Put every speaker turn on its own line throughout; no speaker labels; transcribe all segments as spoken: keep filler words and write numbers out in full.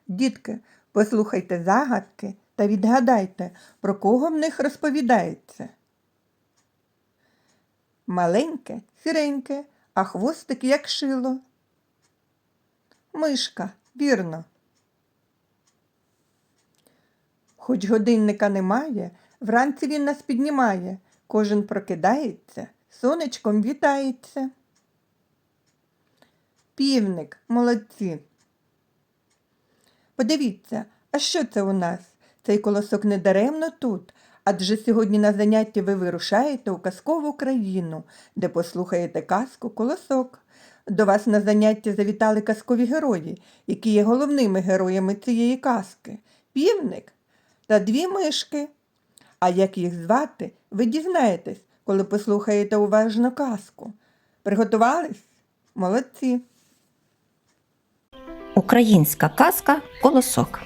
Дітки, послухайте загадки та відгадайте, про кого в них розповідається. Маленьке, сіреньке, а хвостик як шило. Мишка, вірно. Хоч годинника немає, вранці він нас піднімає. Кожен прокидається, сонечком вітається. Півник, молодці. Подивіться, а що це у нас? Цей колосок не даремно тут, адже сьогодні на занятті ви вирушаєте у казкову країну, де послухаєте казку «Колосок». До вас на заняття завітали казкові герої, які є головними героями цієї казки – півник та дві мишки. А як їх звати, ви дізнаєтесь, коли послухаєте уважно казку. Приготувались? Молодці!
Українська казка «Колосок».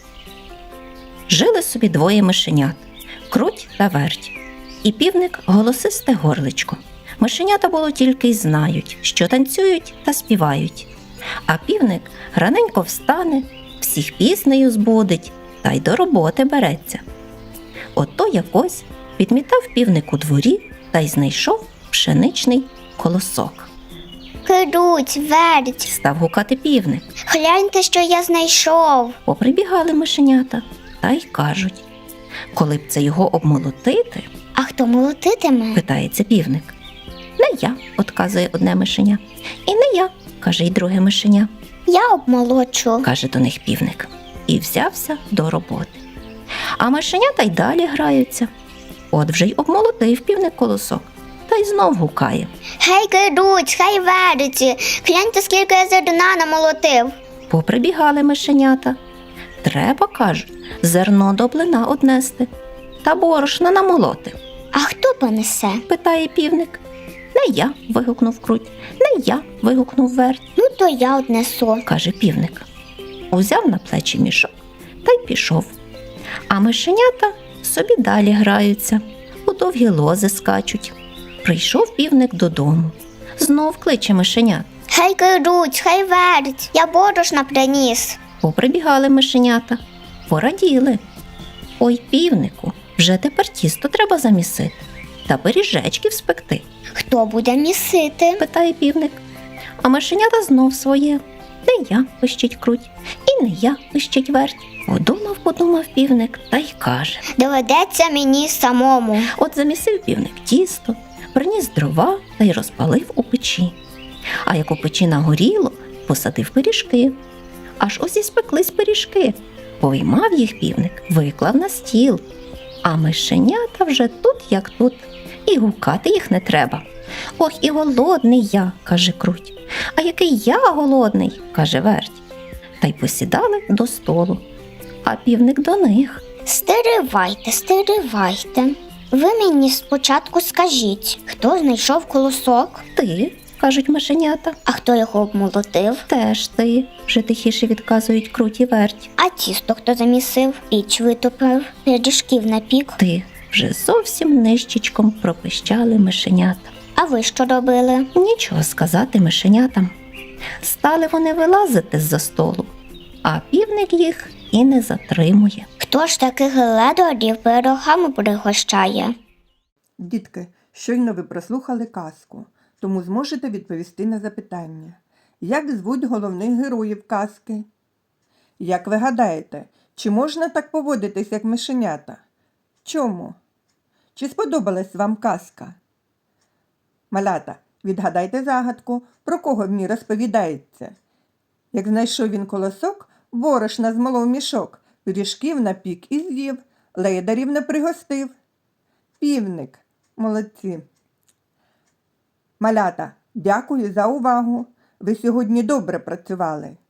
Жили собі двоє мишенят – Круть та Верть. І півник – голосисте горличко. Мишенята було тільки й знають, що танцюють та співають. А півник раненько встане, всіх піснею збудить та й до роботи береться. Ото якось підмітав півник у дворі та й знайшов пшеничний колосок.
Круть, Верть,
Став гукати півник.
гляньте, що я знайшов.
Поприбігали мишенята та й кажуть: коли б це його обмолотити,
А хто молотитиме?
питається півник. Не я, отказує одне мишеня. І не я, каже й друге мишеня,
Я обмолочу.
каже до них півник. І взявся до роботи. А мишенята й далі граються. От вже й обмолотив півник колосок, та й знов гукає.
Гей, Круть, хай Верть, гляньте, скільки я зерна намолотив.
Поприбігали мишенята. Треба, кажуть, зерно до блина однести та борошна намолоти.
А хто понесе?
Питає півник. Не я, вигукнув Круть. Не я, вигукнув Верть,
Ну, то я однесу.
каже півник. Узяв на плечі мішок та й пішов. А мишенята собі далі граються, у довгі лози скачуть. Прийшов півник додому. Знов кличе мишенят.
Гей, Круть, хай Верть, я борошна приніс.
Поприбігали мишенята, пораділи. Ой, півнику, вже тепер тісто треба замісити та пиріжечків спекти,
Хто буде місити?
питає півник. А мишенята знов своє. Не я, пищить Круть, і не я, пищить Верть. Подумав, подумав півник та й каже.
Доведеться мені самому.
От замісив півник тісто, приніс дрова та й розпалив у печі. А як у печі нагоріло, посадив пиріжки. Аж ось і спеклись пиріжки. Поймав їх півник, виклав на стіл. А мишенята вже тут, як тут, і гукати їх не треба. Ох, і голодний я, каже Круть. А який я голодний, каже Верть. Та й посідали до столу. А півник до них.
Стиривайте, стиривайте. Ви мені спочатку скажіть, хто знайшов колосок,
Ти, кажуть мишенята.
а хто його обмолотив,
Теж ти, вже тихіше відказують Круть і Верть.
а тісто хто замісив, піч витопив, пиріжків напік.
Ти, вже зовсім нижчичком пропищали мишенята.
А ви що робили?
Нічого сказати мишенятам. Стали вони вилазити з-за столу, а півник їх і не затримує.
Хто ж таких ледорів пирогами пригощає?
Дітки, щойно ви прослухали казку, тому зможете відповісти на запитання. Як звуть головних героїв казки? Як ви гадаєте, чи можна так поводитись, як мишенята? Чому? Чи сподобалась вам казка? Малята, відгадайте загадку, про кого в ній розповідається. Як знайшов він колосок, борошна змолов мішок, пиріжків напік і з'їв, ледарів не пригостив. Півник. Молодці. Малята, дякую за увагу. Ви сьогодні добре працювали.